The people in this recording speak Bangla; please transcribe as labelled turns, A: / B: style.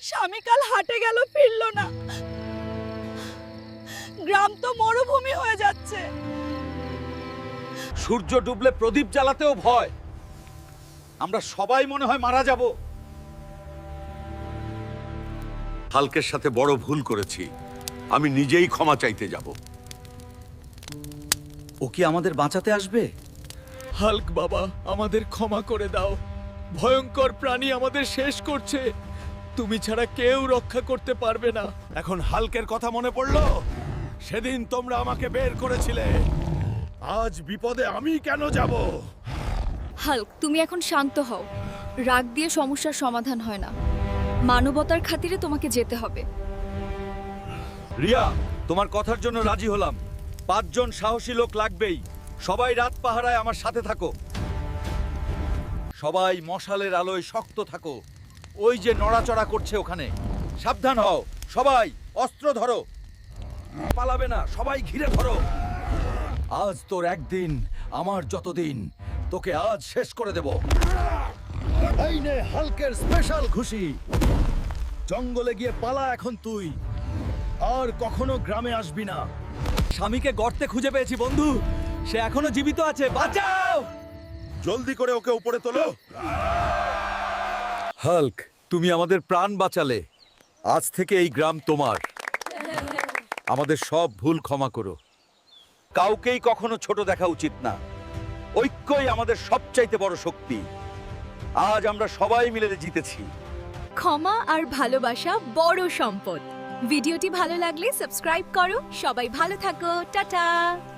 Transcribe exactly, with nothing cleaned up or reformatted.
A: স্বামী কাল হাটে গেল, ফিরলো না। গ্রাম তো মরুভূমি হয়ে যাচ্ছে।
B: সূর্য ডুবলে প্রদীপ জ্বালাতেও ভয়। আমরা সবাই মনে হয় মারা যাব। হাল্কের সাথে বড় ভুল করেছি, আমি নিজেই ক্ষমা চাইতে যাব।
C: ও কি আমাদের বাঁচাতে আসবে?
D: হাল্ক বাবা, আমাদের ক্ষমা করে দাও। ভয়ঙ্কর প্রাণী আমাদের শেষ করছে। তুমি ছাড়া কেউ রক্ষা করতে পারবে না।
B: এখন হাল্কের কথা মনে পড়লো? সেদিন তোমরা আমাকে বের করেছিলে, আজ বিপদে আমি কেন যাব?
E: হাল্ক, তুমি এখন শান্ত হও। রাগ দিয়ে সমস্যার সমাধান হয় না। মানবতার খাতিরে তোমাকে যেতে হবে।
C: রিয়া, তোমার কথার জন্য রাজি হলাম। পাঁচজন সাহসী লোক লাগবেই। সবাই রাত পাহারায় আমার সাথে থাকো। সবাই মশালের আলোয় শক্ত থাকো। ওই যে নড়াচড়া করছে ওখানে, সাবধান হও। সবাই অস্ত্র ধরো, পালাবে না। সবাই ঘিরে ধরো। আজ তোর একদিন, আমার যতদিন, তোকে আজ শেষ করে দেব। এই নে হাল্কের স্পেশাল খুশি। জঙ্গলে গিয়ে পালা এখন তুই, আর কখনো গ্রামে আসবি না। স্বামীকে গর্তে খুঁজে পেয়েছি বন্ধু, সে এখনো জীবিত আছে। বাঁচাও!
B: জলদি করে ওকে উপরে তোলো।
C: হাল্ক, তুমি আমাদের প্রাণ বাঁচালে। আজ থেকে এই গ্রাম তোমার। আমাদের সব ভুল ক্ষমা করো। কাউকেই কখনো ছোট দেখা উচিত না। ঐক্যই আমাদের সবচাইতে বড় শক্তি। আজ আমরা সবাই মিলে জিতেছি।
E: ক্ষমা আর ভালোবাসা বড় সম্পদ। ভিডিওটি ভালো লাগলে সাবস্ক্রাইব করো। সবাই ভালো থাকো। টাটা।